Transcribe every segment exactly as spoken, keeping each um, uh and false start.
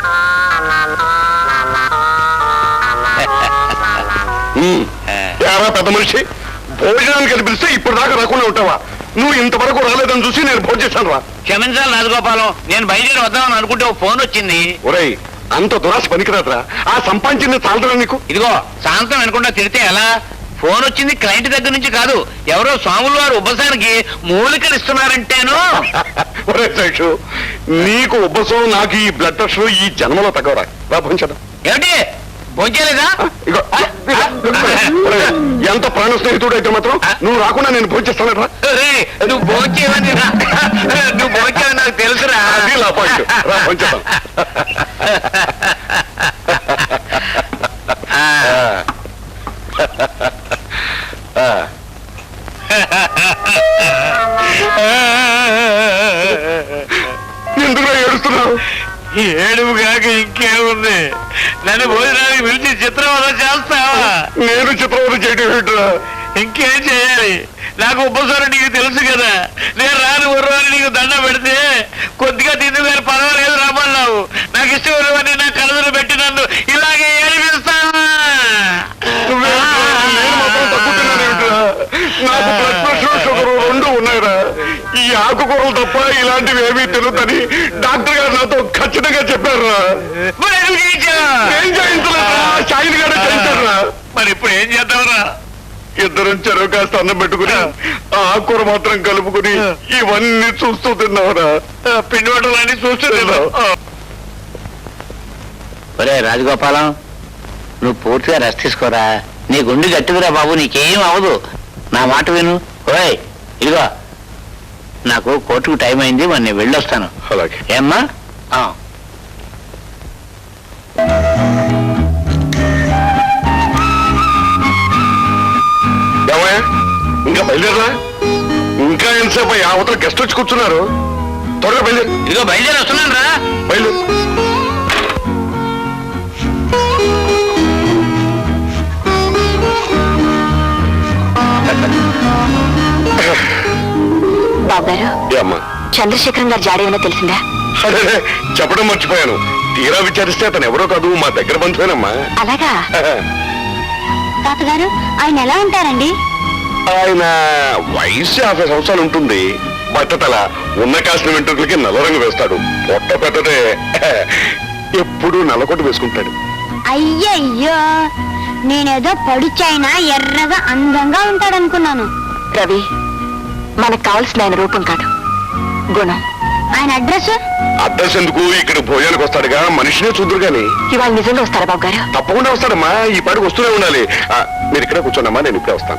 పెద్ద మనిషి భోజనానికి కనిపిస్తే ఇప్పుడు దాకా రాకుండా ఉంటావా? నువ్వు ఇంతవరకు రాలేదని చూసి నేను భోజనం చేశాను రా. క్షమించాలి రాజగోపాలం, నేను బయలుదేరి వద్దామని అనుకుంటే ఒక ఫోన్ వచ్చింది. ఒరేయ్, అంత దురాశ పనికిరాదురా. ఆ సంపాదించింది చాలదురా నీకు. ఇదిగో సాయంత్రం అనుకుంటా తిడితే ఎలా? ఫోన్ వచ్చింది క్లయింట్ దగ్గర నుంచి కాదు, ఎవరో స్వాములు వారు ఉబ్బసానికి మూలికలు ఇస్తున్నారంటేను. ఒరే శేషు, నీకు ఉబ్బసం, నాకు ఈ బ్లడ్ ప్రెషర్ ఈ జన్మలో తగ్గవరా. రా భోంచేద్దాం. ఏమిటి భోంచేలేదా? ఎంత ప్రాణ స్నేహితుడు అయితే మాత్రం నువ్వు రాకుండా నేను భోంచేస్తానరా. నువ్వు భోంచేవని నువ్వు భోంచేవని నాకు తెలుసురా. రా భోంచేద్దాం. ఎందుకు ఏడుస్తున్నావు? ఏడుపు కాక ఇంకేముంది? నన్ను భోజనానికి పిలిచి చిత్రవద చేస్తావా? నేను చిత్రవద చేయడం ఏంట్రా? ఇంకేం చేయాలి? నాకు ఉపసరం నీకు తెలుసు కదా. నేను రాను ఉర్రని నీకు దండ పెడితే కొద్దిగా తిందు గారు పర్వాలేదు రమ్మన్నావు. నాకు ఇష్టం నా కలదులు పెట్టి నన్ను ఇలాగే ఏడిపిస్తావా? నాకు బ్లడ్ ప్రెషర్, షుగర్ రెండు ఉన్నాయిరా. ఈ ఆకుకూరలు తప్ప ఇలాంటివి ఏమీ తిరుగుతాని డాక్టర్ గారు నాతో ఖచ్చితంగా చెప్పారురా. ఏం చేయించలేదురా, షాయిన్ గారు చేయించారురా. మరి ఇప్పుడు ఏం చేద్దాంరా? ఇద్దరం చెరువు కాస్త అన్నం పెట్టుకుని ఆ ఆకుకూర మాత్రం కలుపుకుని ఇవన్నీ చూస్తూ తిన్నావురా. పిండి వంటలన్నీ చూస్తూ తిన్నావు. ఒరే రాజగోపాలం, నువ్వు పూర్తిగా రెస్ట్ తీసుకోరా. నీ గుండె గట్టిదిరా బాబు, నీకేం అవదు. నా మాట విను. ఓయ్ ఇదిగో, నాకు కోర్టుకు టైం అయింది, మరి నేను వెళ్ళొస్తాను. అలాగే ఏమ్మా? ఏమయ్యా, ఇంకా బయలుదేరా? ఇంకా ఎంతసేపు అవతల గెస్ట్ వచ్చి కూర్చున్నారు. త్వరగా బయలుదేరు. ఇదిగో బయలుదేరి వస్తున్నాను రా. బయలుదేరు. బాబుగారు, చంద్రశేఖరం గారు జాడేమన్నా తెలిసిందా? అదే చెప్పడం మర్చిపోయాను. తీరా విచారిస్తే అతను ఎవరో కాదు, మా దగ్గర బంధువేనమ్మా. అలాగా? తాతగారు, ఆయన ఎలా ఉంటారండి? ఆయన వయసు యాభై సంవత్సరాలు ఉంటుంది. బట్టతల, ఉన్న కాసిన వెంట్రుకలకి నల్లరంగు వేస్తాడు. పొట్ట పెట్టదే ఎప్పుడు నల్లకొట్టు వేసుకుంటాడు. అయ్యయ్యో, నేనేదో పడుచైనా ఎర్రగా అందంగా ఉంటాడనుకున్నాను. రవి, మనకు కావాల్సిన ఆయన రూపం కాదు, గుణం. ఆయన అడ్రస్ అడ్రస్ ఎందుకు? ఇక్కడ భోజనానికి వస్తాడుగా, మనిషినే చూద్దరు గాని. ఇవాళ నిజంగా వస్తారా బాబు గారు? తప్పకుండా వస్తాడమ్మా. ఈ పాటికి వస్తూనే ఉండాలి. మీరు ఇక్కడ కూర్చోండమ్మా, నేను ఇప్పుడే వస్తాను.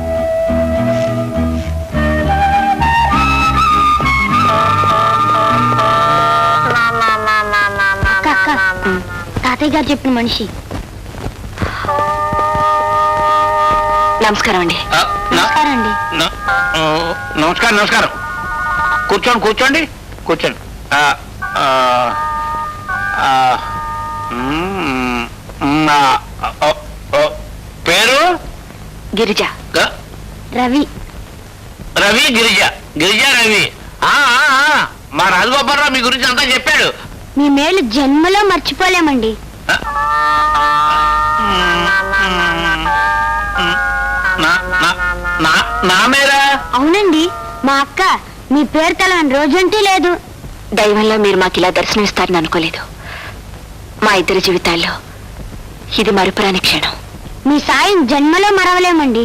తాతయ్య గారు చెప్పిన మనిషి. నమస్కారం అండి. నమస్కారం అండి. నమస్కారం నమస్కారం. కూర్చోండి కూర్చోండి కూర్చోండి. పేరు? గిరిజ. రవి. రవి గిరిజ. గిరిజ రవి. మా రాజగోపాలరావు మీ గురించి అంతా చెప్పాడు. మీ మేలు జన్మలో మర్చిపోలేమండి. నా మేరా? అవునండి, మా అక్క మీ పేరు తెలవని రోజంటూ లేదు. దైవంలో మీరు మాకు ఇలా దర్శనమిస్తారని అనుకోలేదు. మా ఇద్దరి జీవితాల్లో ఇది మరుపురాని క్షణం. మీ సాయం జన్మలో మరవలేమండి.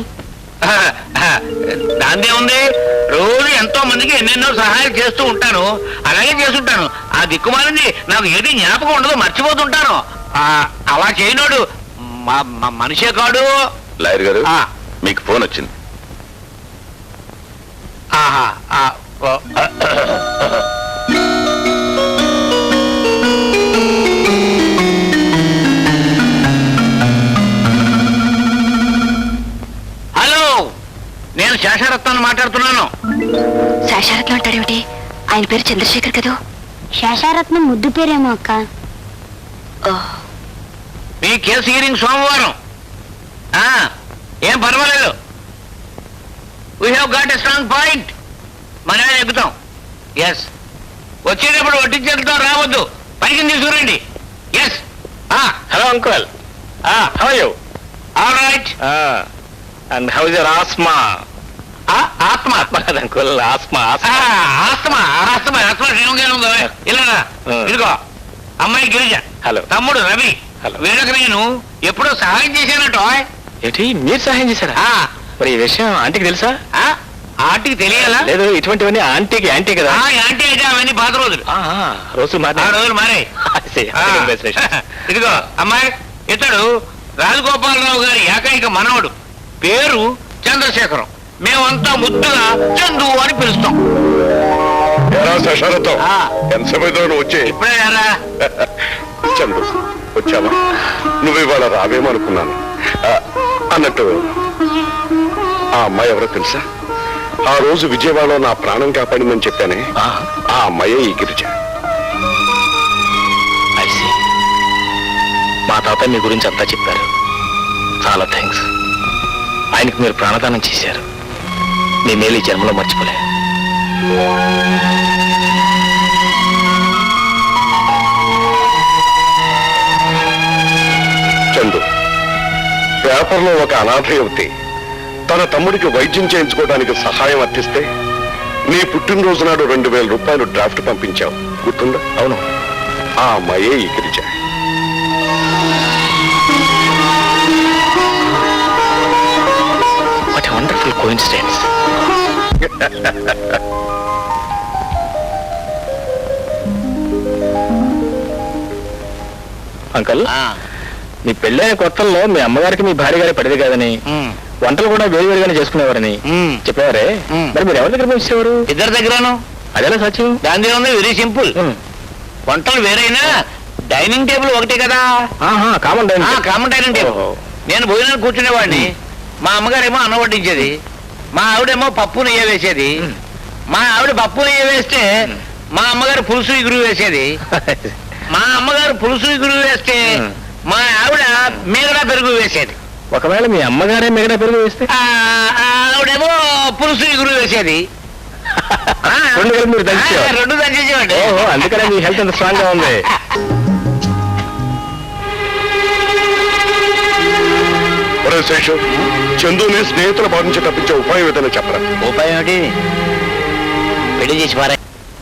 దాందే ఉంది, రోజు ఎంతో మందికి ఎన్నెన్నో సహాయం చేస్తూ ఉంటాను. అలాగే చేస్తుంటాను. ఆ దిక్కుమాలింది నాకు ఏది జ్ఞాపకం ఉండదు, మర్చిపోతుంటాను. అలా చేయనోడు మనిషే కాడు. లాయర్ గారు, మీకు ఫోన్ వచ్చింది. ఆహా. హలో, నేను శేషరత్నాన్ని మాట్లాడుతున్నాను. శేషారత్నం అంటాడేమిటి? ఆయన పేరు చంద్రశేఖర్ కదా. శేషారత్నం ముద్దు పేరేమో అక్క. మీ కేసు హీరింగ్ సోమవారం. ఏం పర్వాలేదు. We have got a strong point. మన ఎక్కుతాం. ఎస్, వచ్చేటప్పుడు వడ్డించేద్దాం, రావద్దు. పైకి తీసుకురండి. Uncle how you all right and how is your asthma ఆత్మ ఆత్మ కదా అంకుల్ ఆస్మా ఆత్మ ఆత్మ ఆత్మ క్షేమంగానే ఉందా ఇలా ఇదిగో అమ్మాయి గిరిజ హలో తమ్ముడు రవి హలో వీళ్ళకి నేను ఎప్పుడో సహాయం చేశానట ఏంటి మీరు సహాయం చేశారా మరి ఈ విషయం ఆంటీకి తెలుసా ఆంటీకి తెలియాలా లేదు ఇటువంటివన్నీ ఆంటీకి యాంటీ కదా యాంటీ అయితే అవన్నీ పాత రోజులు రోజులు మారే రోజులు మారే ఇదిగో అమ్మాయి ఇతడు రాజగోపాలరావు గారి ఏకైక మనవడు పేరు చంద్రశేఖరం మేమంతా ముద్దుగా చందు అని పిలుస్తాం ఎంతసేపు వచ్చే ఇప్పుడే రా చందు వచ్చావా నువ్వు ఇవాళ రావేమనుకున్నాను అన్నట్టు ఆ అమ్మాయి ఎవరో తెలుసా? ఆ రోజు విజయవాడలో నా ప్రాణం కాపాడిందని చెప్పానే ఆ అమ్మాయే ఈ గిరిజ. మా తాత మీ గురించి అంతా చెప్పారు. చాలా థ్యాంక్స్. ఆయనకు మీరు ప్రాణదానం చేశారు. మీ మేలు ఈ జన్మలో మర్చిపోలే. చందు, పేపర్లో ఒక అనాథ యువతి తన తమ్ముడికి వైద్యం చేయించుకోవడానికి సహాయం అర్థిస్తే నీ పుట్టినరోజు నాడు రెండు వేల రూపాయలు డ్రాఫ్ట్ పంపించావు, గుర్తుందా? అవును. ఆ అమ్మాయే ఈ Girija. What a wonderful coincidence. Uncle, మీ పెళ్ళైన కొత్తల్లో మీ అమ్మగారికి మీ భార్య గారి పడిది కాదని వంటలు కూడా వేరు వేరుగానే చేసుకునేవారని చెప్పేవారే. మరి మీరు ఎవరి దగ్గర పంపించేవారు? ఇద్దరి దగ్గరను. అదేలా సత్యం? దాని ఉంది వెరీ సింపుల్. వంటలు వేరైనా డైనింగ్ టేబుల్ ఒకటే కదా. Common dining common dining table. నేను భోజనానికి కూర్చునేవాడిని. మా అమ్మగారేమో అన్నం వడ్డించేది, మా ఆవిడేమో పప్పు నెయ్య వేసేది. మా ఆవిడ పప్పు నెయ్య వేస్తే మా అమ్మగారు పులుసు ఇగురు వేసేది. మా అమ్మగారు పులుసు ఇగురు వేస్తే మా ఆవిడ మిగడా పెరుగు వేసేది. ఒకవేళ మీ అమ్మగారే మిగడా పెరుగు వేస్తే ఆవిడేమో పులుసు ఇగురు వేసేది. రెండు దంచేసేవాడి. అందుకనే మీ హెల్త్ అంత స్ట్రాంగ్ గా ఉంది. శేషు, చందుని స్నేహితుల బాధ నుంచి తప్పించే ఉపాయం ఏదైనా చెప్పరా? ఉపాయం ఏమిటి? పెళ్లి చేసి పారా.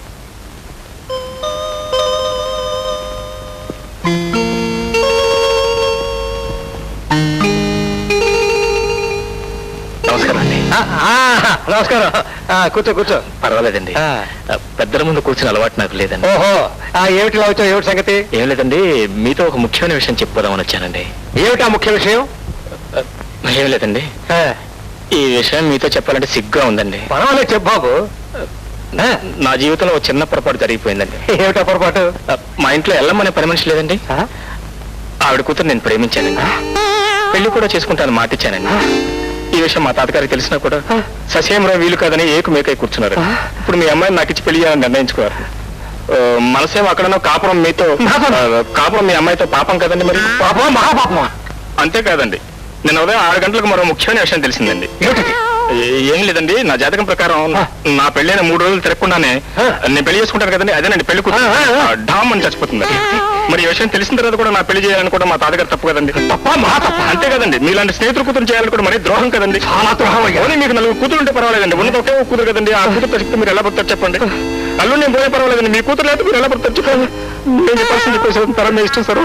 నమస్కారం అండి. నమస్కారం. కూర్చో కూర్చో. పర్వాలేదండి. పెద్దల ముందు కూర్చుని అలవాటు నాకు లేదండి. ఓహో, ఏమిటి వచ్చావు? ఏమిటి సంగతి? ఏం లేదండి, మీతో ఒక ముఖ్యమైన విషయం చెప్పుకోదామని వచ్చానండి. ఏమిటా ముఖ్య విషయం? ఏం లేదండి, ఈ విషయం మీతో చెప్పాలంటే సిగ్గుగా ఉందండి. పర్వాలేదు, చెప్పు బాబు. నా జీవితంలో ఒక చిన్న పొరపాటు జరిగిపోయిందండి. ఏమిటా పొరపాటు? మా ఇంట్లో ఎల్లమ్మనే పని మనిషి లేదండి. ఆవిడ కూతురు నేను ప్రేమించానండి. పెళ్లి కూడా చేసుకుంటాను మాటిచ్చానండి. ఈ విషయం మా తాతగారికి తెలిసినా కూడా ససేమరా వీలు కాదని ఏకు మేకై కూర్చున్నారు. ఇప్పుడు మీ అమ్మాయిని నాకు ఇచ్చి పెళ్లి చేయాలని నిర్ణయించుకున్నారు. మనసేమో అక్కడనో కాపురం మీతో కాపురం మీ అమ్మాయితో పాపం కదండి. మరి పాపం మహాపాపమా? అంతేకాదండి, నిన్న ఉదయం ఆరు గంటలకు మరో ముఖ్యమైన విషయం తెలిసిందండి. ఏం లేదండి, నా జాతకం ప్రకారం నా పెళ్ళైన మూడు రోజులు తిరగకుండానే నేను పెళ్లి చేసుకుంటాను కదండి, అదేనండి పెళ్లి కూతురు డామ్ అని చచ్చిపోతుంది. మరి ఈ విషయం తెలిసిన తర్వాత కూడా నా పెళ్లి చేయాలని కూడా మా తాతగారు తప్పు కదండి. తప్ప మహా తప్ప. అంతే కదండి, మీలాంటి స్నేహితులు కూతురు చేయాలని కూడా మరి ద్రోహం కదండి. చాలా ద్రోహం. కానీ మీకు నలుగురు కూతురు ఉంటే పర్వాలేదండి, ఉన్నది ఒకే కూతురు కదండి. ఆ కూతురు చెప్తే మీరు ఎలా పడతారు చెప్పండి? అల్లు నేను పోయే పర్వాలేదండి, మీ కూతురు లేదు మీరు ఎలా పడతారు చెప్పండి? నేను చెప్పాల్సింది చెప్పేసి తరం మీ ఇష్టం సార్.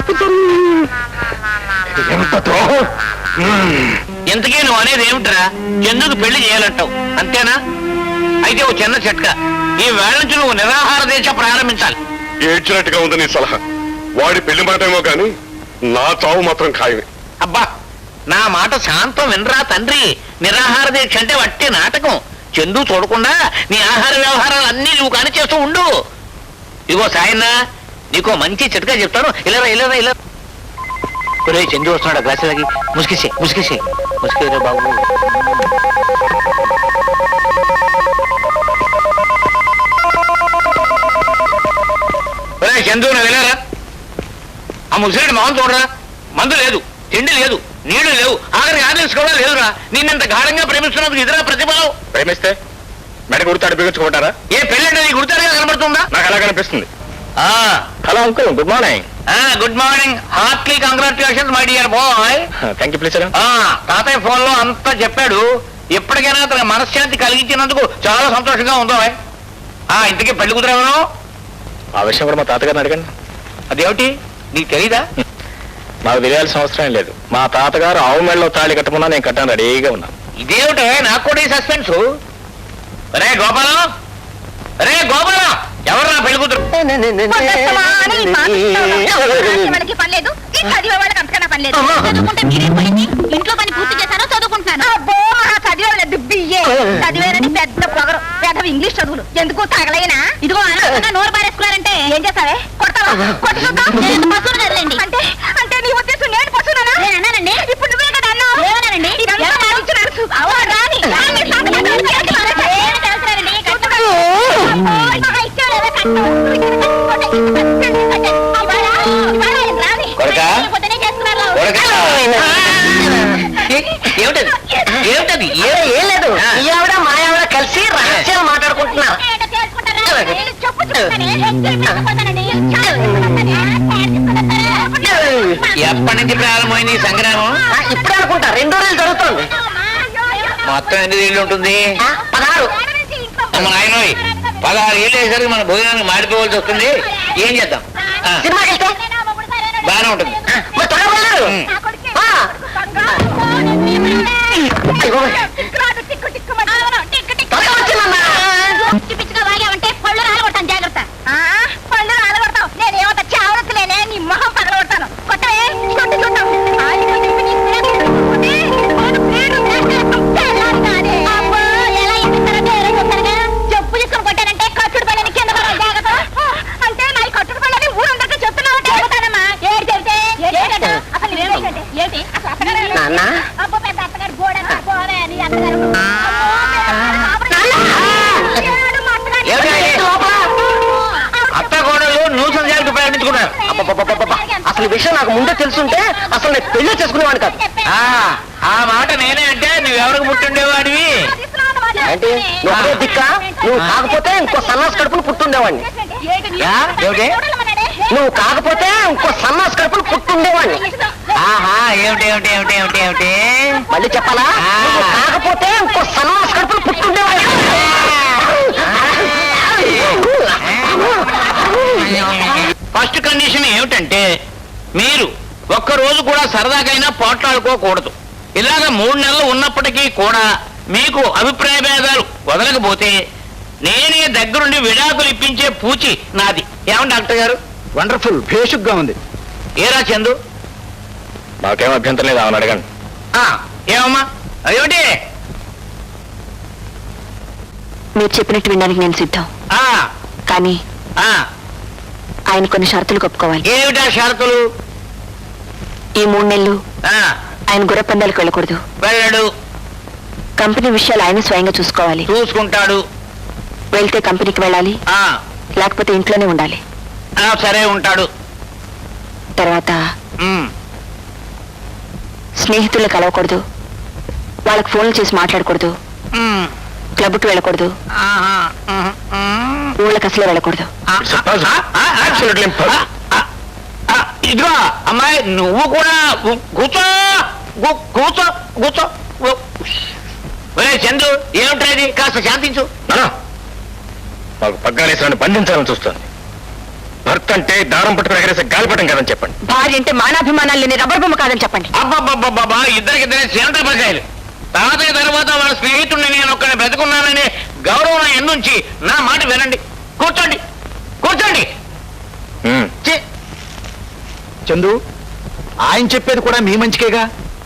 ఎంత ద్రోహం! ఇంతకీ నువ్వు అనేది ఏమిట్రా? ఎందుకు పెళ్లి చేయాలంటావు అంతేనా? అయితే ఓ చిన్న చిట్కా, ఈ వేళ నుంచి నువ్వు నిరాహార దీక్ష ప్రారంభించాలి. ఏడ్చినట్టుగా ఉంది నీ సలహా. వాడి పెళ్లి మాటేమో కానీ నా చావు మాత్రం ఖాయమే. అబ్బా, నా మాట శాంతం వినరా తండ్రి. నిరాహార దీక్ష అంటే వట్టి నాటకం. చందు చూడకుండా నీ ఆహార వ్యవహారాలు అన్నీ నువ్వు కాని చేస్తూ ఉండు. ఇగో సాయన్నా, నీకో మంచి చిట్కా చెప్తాను. ఇలారా ఇలారా ఇలా. ఒరే చందు వస్తున్నాడు, గ్లాసులకి ముసుకేసే ముసుకేసే ముసుకేరా బాబు. ఒరే చందు, నువ్వు వెళ్ళారా? ఆ ముసిరెడ్డి మొహం చూడరా. మందు లేదు, తిండి లేదు, నీళ్లు లేవు, ఆఖరికి ఆదేశం కూడా లేదురా. నిన్నంత గాఢంగా ప్రేమిస్తున్నందుకు ఇదిరా ప్రతిఫలం. ప్రేమిస్తే మెడ గుర్తాడు బిగించుకుంటారా? ఏ పెళ్ళంటే నీ గుర్తాడుగా కనబడుతుందా? నాకు అలా కనిపిస్తుంది. Hello uncle, good morning. Good morning heartily congratulations my dear boy. Thank you please. తాతయ్య ఫోన్ లో అంతా చెప్పాడు. ఎప్పటికైనా అతని మనశ్శాంతి కలిగించినందుకు చాలా సంతోషంగా ఉందో. ఆ ఇంటికి పెళ్లి కుదిరేవను ఆ విషయం కూడా మా తాతగారిని అడగండి. అదేమిటి నీకు తెలీదా? నాకు తెలియాల్సిన అవసరం లేదు. మా తాతగారు ఆవు మెడలో తాళి కట్టమన్నా నేను కట్టాను రెడీగా ఉన్నాను. ఇదేమిటే నాకు కూడా ఈ సస్పెన్స్. రే గోపాలం, రే గోపాలం, ఎవరు నా పెళ్లి కూతురు? వాళ్ళకి పని లేదు, ఈ చదివే వాళ్ళకి అంతకన్నా పని లేదు. చదువుకుంటే మీరేం పోయింది? ఇంట్లో పని పూర్తి చేశానో చదువుకుంటున్నాను. అబ్బో మహా చదివేవాళ్ళది బియ్యే చదివేరని పెద్ద పొగరు, పెద్ద ఇంగ్లీష్ చదువులు ఎందుకు తగలైనా. ఇదిగో అనవసరంగా నోరు పారేసుకున్నారంటే ఏం చేస్తావే? కొడతావా? కొట్టి చూద్దాం. పశువులు కదలండి. అంటే అంటే నీ ఉద్దేశం నేను పశువునా? నేను అన్నానండి. ఇప్పుడు నువ్వే కదా అన్నావు. ఏమన్నానండి? ఏమిటది ఏమిటది? ఏం లేదు, ఈ ఆవిడ మా ఆవిడ కలిసి రహస్యాలు మాట్లాడుకుంటున్నారు. ఎప్పటి నుంచి ప్రారంభమైంది ఈ సంగ్రామం? ఇప్పుడు అనుకుంటా రెండో రోజులు జరుగుతుంది. మొత్తం ఎన్ని ఏళ్ళు ఉంటుంది? ఆ, పదహారు. మన ఆయన పదహారు ఏళ్ళు వేసరికి మన భోజనానికి మాడిపోవాల్సి వస్తుంది. ఏం చేద్దాం? ఆ, సినిమాకి వెళ్తే బాగానే ఉంటుంది. మరి త్వరగా వెళ్ళారు. ఆ. అయ్యో, త్వరగా వచ్చిందమ్మా. పిచ్చిగా వాగావంటే పళ్ళు రాలగొడతాను. జాగ్రత్త. పళ్ళు రాలగొడతావు. నేనేమంత చావరతులేనే, నీ మొహం పగలగొడతాను. కొట్టవే, కొట్టి చూద్దాం. చెప్పు తీసుకొని కొట్టానంటే కట్టుడు పళ్ళని కింద పడాలి. జాగ్రత్త. అంటే నా కట్టుడు పళ్ళని ఊరందరికీ చెప్తున్నావు. చెబుతానమ్మా. ఏడు చెబితే అసలు ఏమిటంటే ఏంటి అసలు అత్తగారు? నాన్న. అబ్బో పెద్ద అత్తగారు గోడన పోవే నీ అత్తగారు. అత్త కోడలు నూసంజాలకు ప్రయాణించుకున్నారు. అబ్బబ్బబ్బబ్బబ్బ. అసలు ఈ విషయం నాకు ముందే తెలుసుంటే అసలు నేను పెళ్లి చేసుకునేవాడిని కాదు. ఆ ఆ మాట నేనే అంటే నువ్వెవరికి పుట్టుండేవాడివి? అంటే నువ్వు దిక్క, నువ్వు కాకపోతే ఇంకో సన్నాస్ కడుపును పుట్టుండేవాడిని. యా, ఏమిటి? నువ్వు కాకపోతే ఇంకో సన్నాస్ కడుపును పుట్టుండేవాడిని. ఆహా, ఏమిటి ఏమిటి ఏమిటి ఏమిటి ఏమిటి? మళ్ళీ చెప్పాలా? నువ్వు కాకపోతే ఇంకో సన్నాస్ కడుపును పుట్టుండేవాడిని. ఫస్ట్ కండిషన్ ఏమిటంటే మీరు ఒక్క రోజు కూడా సరదాకైనా పోట్లాడుకోకూడదు. ఇలాగ మూడు నెలలు ఉన్నప్పటికీ కూడా మీకు అభిప్రాయ భేదాలు వదలకపోతే నేనే దగ్గరుండి విడాకులు ఇప్పించే పూచి నాది. ఏమండి డాక్టర్ గారు? వండర్ఫుల్, భేషుగ్గా ఉంది. ఏరా చందు? నాకేం అభ్యంతరం లేదు, ఆమెను అడగండి. ఆ, ఏమమ్మా ఏమిటి? మీరు చెప్పినట్టు వినడానికి నేను సిద్ధం. ఆ, కానీ ఆ, ఆయన కొన్ని షరతులు ఒప్పుకోవాలి. ఏమిటా షరతులు? ఈ మూడు నెలలు ఆ, ఆయన గుర్రపందాలకు వెళ్ళకూడదు. వెళ్ళడు. కంపెనీ విషయాలు ఆయన స్వయంగా చూసుకోవాలి. చూసుకుంటాడు. వెళ్తే కంపెనీకి వెళ్ళాలి, ఆ, లేకపోతే ఇంట్లోనే ఉండాలి. ఆ, సరే ఉంటాడు. తర్వాత ఉమ్, స్నేహితులు కలవకూడదు, వాళ్ళకి ఫోన్లు చేసి మాట్లాడకూడదు, ఉమ్, క్లబ్కి వెళ్ళకూడదు, ఆహా, ఉమ్, ఉమ్. ఊళ్ళకి అసలే వెళ్ళకూడదు. ఆ, Suppose- ఆ, ఆ, ఆ, Absolutely impossible. ఆ, ఆ, ఆ, ఇదిగో అమ్మాయి నువ్వు కూడా కు- కూర్చో కు- కూర్చో కూర్చో. ఓ, ఒరే చందు, ఏమిటా ఇది? కాస్త శాంతించు. నానా, మాకు పగ్గాలేసిన బంధించాలని చూస్తుంది. భర్త అంటే దారం పట్టుకుని ఎగరేసే గాలిపటం కాదని చెప్పండి. భార్య అంటే మానాభిమానాలు లేని రబ్బర్ బొమ్మ కాదని చెప్పండి. అబ్బబ్బబ్బబ్బా, ఇద్దరికిద్దరే చేంత పకాయలు. తాతయ్య తర్వాత వాళ్ళ స్నేహితుడిని నేను ఒక్కడిని బ్రతుకున్నాననే గౌరవం ఎన్నుంచి నా మాట వినండి. కూర్చోండి కూర్చోండి. ఉమ్. ఛీ, చందు, ఆయన చెప్పేది కూడా మీ మంచికేగా.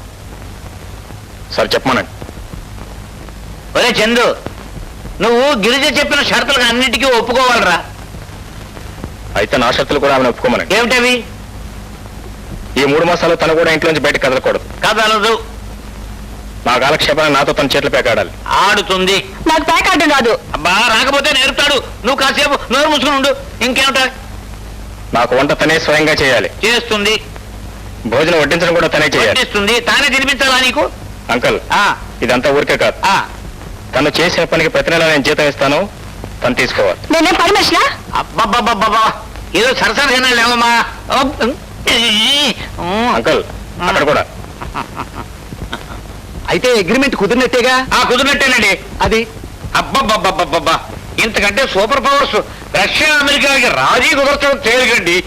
సరే చెప్పమనండి. ఒరే చందు, నువ్వు గిరిజ చెప్పిన షరతులకు అన్నిటికీ ఒప్పుకోవాలరా. అయితే నా షరతులు కూడా ఆమెను ఒప్పుకోమనండి. ఏమిటవి? ఈ మూడు మాసాలు తను కూడా ఇంట్లోంచి బయటకు కదలకూడదు. కదలదు. నా కాలక్షేపాన్ని నాతో తన చేతులు పేకాడాలి. ఆడుతుంది. నాకు ప్యాక్ ఆడడం రాదు. అబ్బా, రాకపోతే నేర్పుతాడు. నువ్వు కాసేపు నోరు మూసుకుని ఉండు. ఇంకేమిటా? నాకు వంట తనే స్వయంగా చేయాలి. చేస్తుంది. భోజనం వడ్డించడం కూడా తనే చేయాలి. వడ్డిస్తుంది. తానే తినిపించాలా నీకు? అంకల్, ఆ, ఇదంతా ఊరికే కాదు. ఆ. తను చేసిన పనికి ప్రతి నెల నేను జీతం ఇస్తాను, తను తీసుకోవాలి. నేనేం పని మనిషినా? అబ్బబ్బబ్బబ్బబ్బా, ఏదో సరసరిగా లేవమ్మా. అంకల్ అక్కడ కూడా అయితే అగ్రిమెంట్ కుదిరినట్టేగా. ఆ కుదిరినట్టేనండి. అది అబ్బబ్బబ్బబ్బబ్బా, ఇంతకంటే సూపర్ పవర్స్ రష్యా అమెరికాకి రాజీ కుదర్చడం తేలికండి.